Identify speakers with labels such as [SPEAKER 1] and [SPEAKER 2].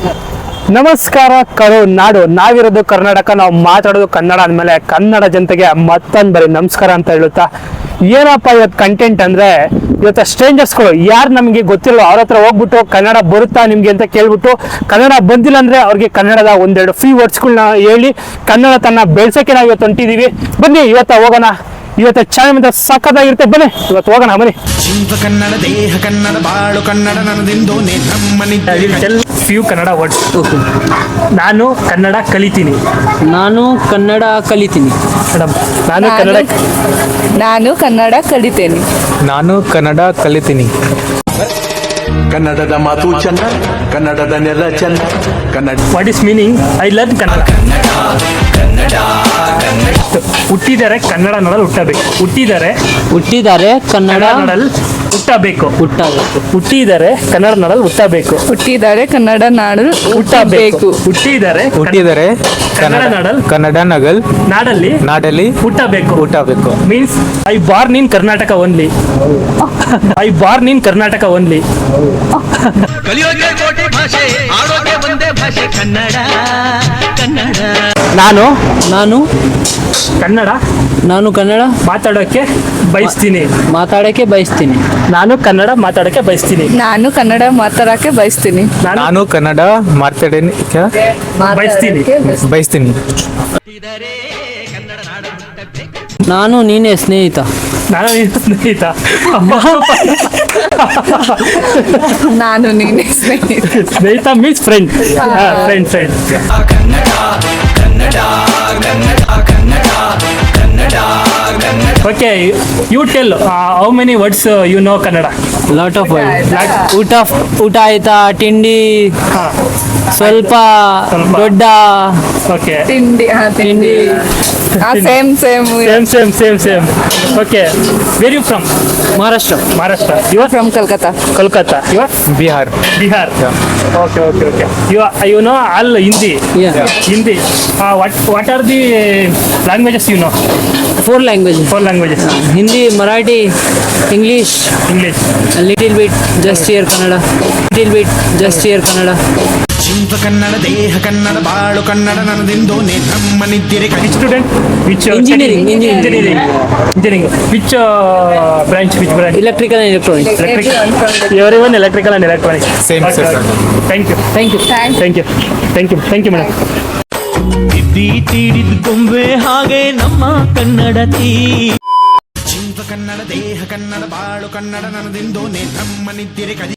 [SPEAKER 1] ನಮಸ್ಕಾರ ನಾಡು, ನಾವಿರೋದು ಕರ್ನಾಟಕ, ನಾವು ಮಾತಾಡೋದು ಕನ್ನಡ ಅಂದಮೇಲೆ ಕನ್ನಡ ಜನತೆಗೆ ಮತ್ತೊಂದು ಬರೀ ನಮಸ್ಕಾರ ಅಂತ ಹೇಳುತ್ತಾ, ಏನಪ್ಪ ಇವತ್ತು ಕಂಟೆಂಟ್ ಅಂದರೆ, ಇವತ್ತು ಸ್ಟ್ರೇಂಜರ್ಸ್ಗಳು ಯಾರು ನಮಗೆ ಗೊತ್ತಿಲ್ಲ ಅವ್ರ ಹತ್ರ ಹೋಗ್ಬಿಟ್ಟು ಕನ್ನಡ ಬರುತ್ತಾ ನಿಮಗೆ ಅಂತ ಕೇಳ್ಬಿಟ್ಟು, ಕನ್ನಡ ಬಂದಿಲ್ಲ ಅಂದರೆ ಅವ್ರಿಗೆ ಕನ್ನಡದ ಒಂದೆರಡು ಫ್ರೀ ವರ್ಡ್ಸ್ಗಳನ್ನ ಹೇಳಿ ಕನ್ನಡ ತನ್ನ ಬೆಳೆಸೋಕ್ಕೆ ನಾವು ಇವತ್ತು ಹೊಂಟಿದ್ದೀವಿ. ಬನ್ನಿ ಇವತ್ತು ಹೋಗೋಣ. ಇವತ್ತು ಚಾನಲ್ ಮಾತ್ರ ಸಖತ್ತಾಗಿರುತ್ತೆ, ಬನ್ನಿ ಇವತ್ತು ಹೋಗೋಣ ಬನ್ನಿ.
[SPEAKER 2] ಕನ್ನಡ ದೇಹ ಕನ್ನಡ ಬಾಳು ಕನ್ನಡ ನನ್ನದೆಂದು
[SPEAKER 1] ಫ್ಯೂ ಕನ್ನಡ ವರ್ಡ್ಸ್. ನಾನು ಕನ್ನಡ ಕಲಿತೀನಿ.
[SPEAKER 3] ನಾನು ಕನ್ನಡ ಕಲಿತೀನಿ.
[SPEAKER 1] ಮೇಡಮ್, ನಾನು ಕನ್ನಡ ಕಲಿತೇನೆ.
[SPEAKER 4] ನಾನು ಕನ್ನಡ ಕಲಿತೀನಿ.
[SPEAKER 5] ಕನ್ನಡದ ಮಾತು ಚಂದ, ಕನ್ನಡದ ನೆಲ ಚಂದ, Kannada.
[SPEAKER 1] What is meaning? I learn Kannada. ಹುಟ್ಟಿದರೆ ಕನ್ನಡ ನಾಡಲ್ಲಿ ಹುಟ್ಟಬೇಕು.
[SPEAKER 3] ಹುಟ್ಟಿದ್ದಾರೆ ಕನ್ನಡ
[SPEAKER 1] ನಾಡಲ್ಲಿ ಹುಟ್ಟಬೇಕು. ಹುಟ್ಟಿದರೆ ಕನ್ನಡ ನಾಡಲ್ಲಿ ಹುಟ್ಟಬೇಕು.
[SPEAKER 6] ಹುಟ್ಟಿದ್ದಾರೆ ಕನ್ನಡ ನಾಡು ಹುಟ್ಟಬೇಕು.
[SPEAKER 4] ಹುಟ್ಟಿದರೆ ಕನ್ನಡ ನಾಡಲ್ಲಿ ಹುಟ್ಟಬೇಕು.
[SPEAKER 1] Means I born in Karnataka only.
[SPEAKER 2] ಕಲಿಯೋಕೆ ಕೋಟೆ ಭಾಷೆ, ಆಡೋಕೆ ಒಂದೇ ಭಾಷೆ ಕನ್ನಡ.
[SPEAKER 3] ನಾನು
[SPEAKER 1] ಕನ್ನಡ ಮಾತಾಡೋಕೆ ಬಯಸ್ತೀನಿ.
[SPEAKER 3] ನಾನು
[SPEAKER 1] ಕನ್ನಡ ಮಾತಾಡೋಕೆ ಬಯಸ್ತೀನಿ.
[SPEAKER 6] ನಾನು ಕನ್ನಡ ಮಾತಾಡಕ್ಕೆ ಬಯಸ್ತೀನಿ.
[SPEAKER 4] ನಾನು ಕನ್ನಡ ಬಯಸ್ತೀನಿ.
[SPEAKER 3] ನಾನು ನೀನೇ ಸ್ನೇಹಿತ.
[SPEAKER 6] ನಾನು ನೀನೆ
[SPEAKER 1] ಸ್ನೇಹಿತ means friend. Okay, you tell how many words you know Kannada?
[SPEAKER 3] Lot of word. ಊಟ ಆಯ್ತಾ, ತಿಂಡಿ, ಸ್ವಲ್ಪ, ದೊಡ್ಡ.
[SPEAKER 1] ಓಕೆ,
[SPEAKER 6] ತಿಂಡಿ. Same.
[SPEAKER 1] Okay, where you from?
[SPEAKER 3] Maharashtra.
[SPEAKER 1] You are
[SPEAKER 6] from Calcutta.
[SPEAKER 1] You are
[SPEAKER 4] Bihar.
[SPEAKER 1] Okay. You know all Hindi.
[SPEAKER 3] Yeah.
[SPEAKER 1] Hindi. What are the languages you know?
[SPEAKER 3] 4 languages.
[SPEAKER 1] 4 languages.
[SPEAKER 3] Hindi, Marathi, English, a little bit, just here Kannada.
[SPEAKER 2] ಜೀವ ಕನ್ನಡ ದೇಹ ಕನ್ನಡ ಬಾಳು Kannada ನನ್ನದೆಂದು ನಮ್ಮನಿದ್ದಿರೆ.
[SPEAKER 1] Which student? Which
[SPEAKER 3] Engineering.
[SPEAKER 1] Which branch?
[SPEAKER 3] Electrical and electronics.
[SPEAKER 1] Everyone electrical and electronics.
[SPEAKER 4] Same,
[SPEAKER 1] Okay.
[SPEAKER 4] sir.
[SPEAKER 1] Thank you, madam.
[SPEAKER 2] ತಿದ್ದಿ ತೀಡಿದ ಗೊಂಬೆ ಹಾಗೆ ನಮ್ಮ ಕನ್ನಡತಿ. ಜೀವ ಕನ್ನಡ ದೇಹ ಕನ್ನಡ ಬಾಳು ಕನ್ನಡ ನನ್ನದೆಂದು ನಮ್ಮನಿದ್ದಿರೆ.